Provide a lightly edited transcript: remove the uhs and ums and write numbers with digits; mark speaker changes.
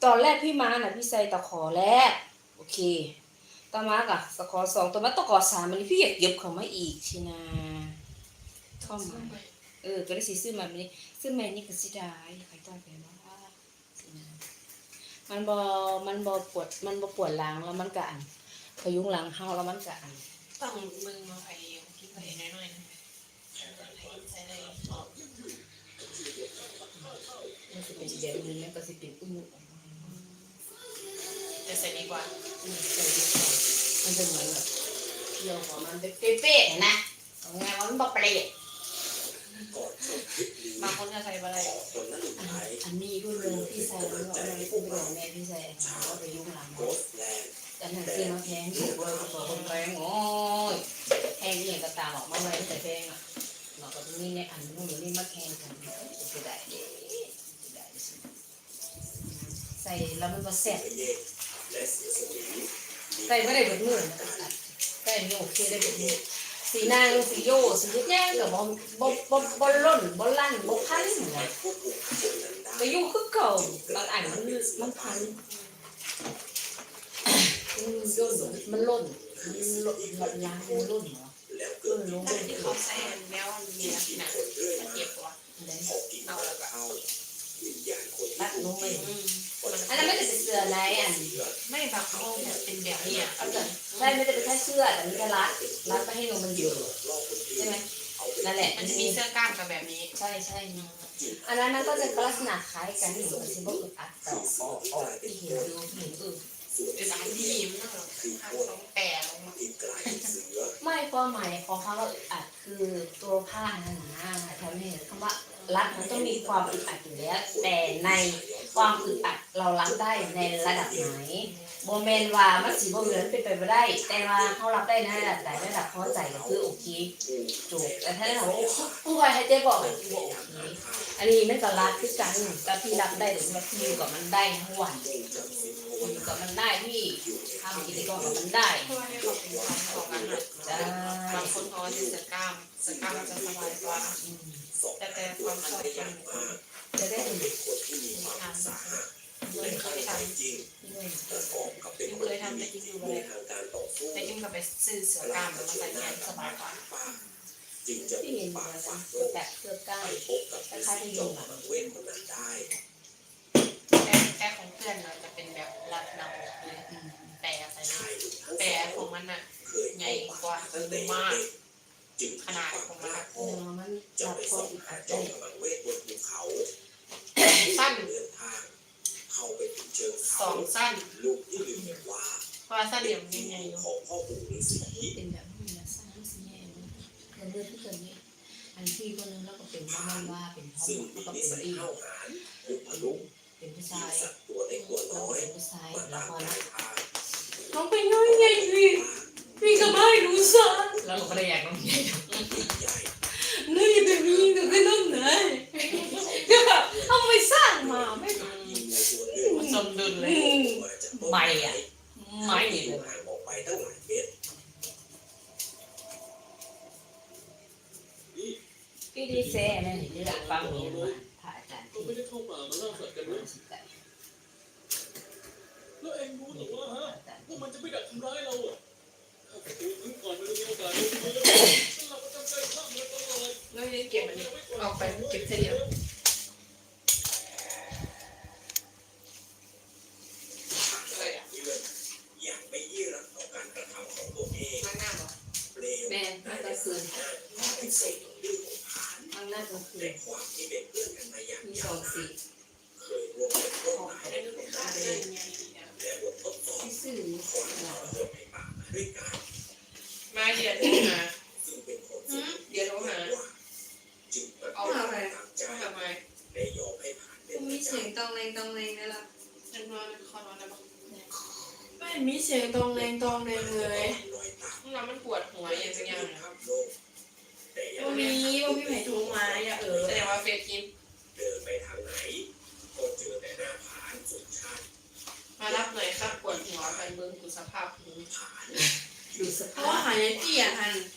Speaker 1: ตอนแรกพี่มาน่ะพี่ใส่ตะขอแรกโอเคต่อมากะตะขอสองต่อมาตะขอสามมันพี่อยากเก็บเข้ามาอีกชินะเข้ามาก็ได้สิซื้อมาแบบนี้ซื้อใหม่นี่ก็สิได้ใครต้องไปว่าสินะมันบ่ปวดหลังแล้วมันก็อันพยุงหลังเฮาแล้วมันก็อัน
Speaker 2: ต้องมึงมาไผ่กินไผ่น้อยๆนะใส่ได้
Speaker 1: มันจะเป็นแบบนี้มันก็สิเป็นอุ้ม
Speaker 2: จะใส่ดีกว่า
Speaker 1: ใส่ดีกว่ามันจะเหมือนแบบเกี่ยวของมันเป็นเป๊ะๆนะเอาไงมันบ่เปรี้ย
Speaker 2: บางคนจะใส่อะไร
Speaker 1: อันนี้รุ่นเรืองพี่ใส่แล้วเอามาพูดไปแม่พี่ใส่เอาไปยุ่งหลังแต่หนังซื้อมาแพงถูกเลยตัวคนแพงโอ้ยแพงนี่ก็ตามออกมาไว้แต่แพงอ่ะเราก็นี่เนี่ยอันนู้นนี่มาแพงกันจะได้ใส่แล้วมันก็แซ่บใส่ไม่ได้แบบมือนะใส่นี่โอเคได้แบบนี้สีนางสีโยสีแย่กับบอลล่นบอลลั่นบอลพันเลยแต่ยุ่งคือเก่าบางอันมันพันย่นมันล่นล้างมันล่นเหรอ
Speaker 2: ลงที่เขาใส่แล้วมีหนังเจ็บกว่าเอาแล้วก็
Speaker 1: รัดลงไปอันนั้นไม่ได้เป็นเสื้ออะไรอัน
Speaker 2: ไม่บางเขาเป็นแบบนี้อ่ะ
Speaker 1: ใช่ไม่ได้เป็นแค่เสื้อแต่มันจะรัดไปให้นมมันเยอะใช่ไหมนั่นแหละ
Speaker 2: มันจะมีเสื้อกล้ามกับแบบนี้
Speaker 1: ใช่อันนั้นก็จะลักษณะคล้ายกันที่มันจะบอกอัดต่อที่เห็น
Speaker 2: เป็นร้านที่มันต้องแปะลงมา
Speaker 1: ไม่ความหมายของคำว่าอึดอัดคือตัวผ้านั่นนะแถวนี้คำว่ารัดมันต้องมีความอึดอัดอยู่แล้วแต่ในความอึดอัดเรารับได้ในระดับไหนโมเมนต์ว่ามันสีโมเมนต์เป็นไปไม่ได้แต่ว่าเขารับได้ในระดับไหนระดับพอใจก็คือโอเคจบแต่ถ้าถามว่าผู้ชายให้เจ๊บอกโอเคอันนี้ไม่ก็รัดคือกันแต่พี่รับได้หรือว่าพี่อยู่กับมันได้ทั้งวันอยู่กับมันได้ที่ทำกิจกรรมกับมันได้
Speaker 2: เพราะว่าให้เขาเป็นความของกันนะบางคนเขาจะเสื้อกล้ามมันจะสบายกว่าแต่ความชอบ
Speaker 1: จะได้
Speaker 2: ทำเคยทำแต่จริงดูเลยแต่จริงก็ไปซื้อเสื้อกล้ามแล้วมาใส่แขนสบายกว่า
Speaker 1: ที่เห็นแบบเสื้อกล้ามคล้ายๆที่ยุงอ่ะ
Speaker 2: แต่ของเพื่อนเราจะเป็นแบบรัดเนาเลยแต่ใส่แต่ของมันน่ะใหญ่กว่ามากขนาดของมัน
Speaker 1: มันจับพออีกได้
Speaker 2: สั้นสั้นเพราะว่าสั้นเดี่ยวยังไงอยู่
Speaker 1: เป็นแบบนี้นะสั้นสีแดงเลือดที่เกิดนี้อันที่คนนึงแล้วก็เป็นว่าเป็นท้องแล้วก็เป็นอีเป็นผู้ชายแล้วเป็นผู้ชายแล้วพอน้องเป็นน้อยไงพี่ก็ไม่รู้ซะแล้วก็ได้อยากน้องใหญ่นี่เป็นมีแต่ก็น้องไหนก็แบบเอาไปสร้างมาไม่
Speaker 2: สมดุลเลย
Speaker 1: ไม่เลยพี่ดีเซ่เนี่ยนี่หลักฟังนี้มาพระอาจารย์ที่
Speaker 3: ไม่ได้เข้าป่ามาล่าสัตว์กันนะแล้วเองรู้หรือว่าพวกมันจะไม่ดักทำร้ายเราอ่ะถ้าประตูถึงก่อนมันจะมีโอกาสลงมือเราประจำใจข้ามมันตลอด
Speaker 2: แล้วยังเก็บอันนี้ออกไปเก็บเสีย
Speaker 1: แม่น่าจะคืนมันน่าจะคืนมีสองสีซื่อ
Speaker 2: มาเดี๋ยวโทรหาเดี๋ยวโทรหาเอาอะไรทำไม
Speaker 4: มีเสียงตองแรงนั่นแหละ
Speaker 2: ฉันนอนคอนอนได้ปะ
Speaker 4: ไม่มีเสียงตองแรงเลย
Speaker 2: เรามันปวดหัวอย่างสักอย่างนะครับ
Speaker 4: ว่ามีแผลทุกมาอย่า
Speaker 2: แสดงว่าเฟซกิน
Speaker 3: เดินไปทางไหนก็เจอแต่หน้าผาสุดชัน
Speaker 2: มารับหน่อยครับปวดหัวไปเบิ้งดูสภาพหู
Speaker 1: ดูสภาพ
Speaker 4: หายเตี้ยหัน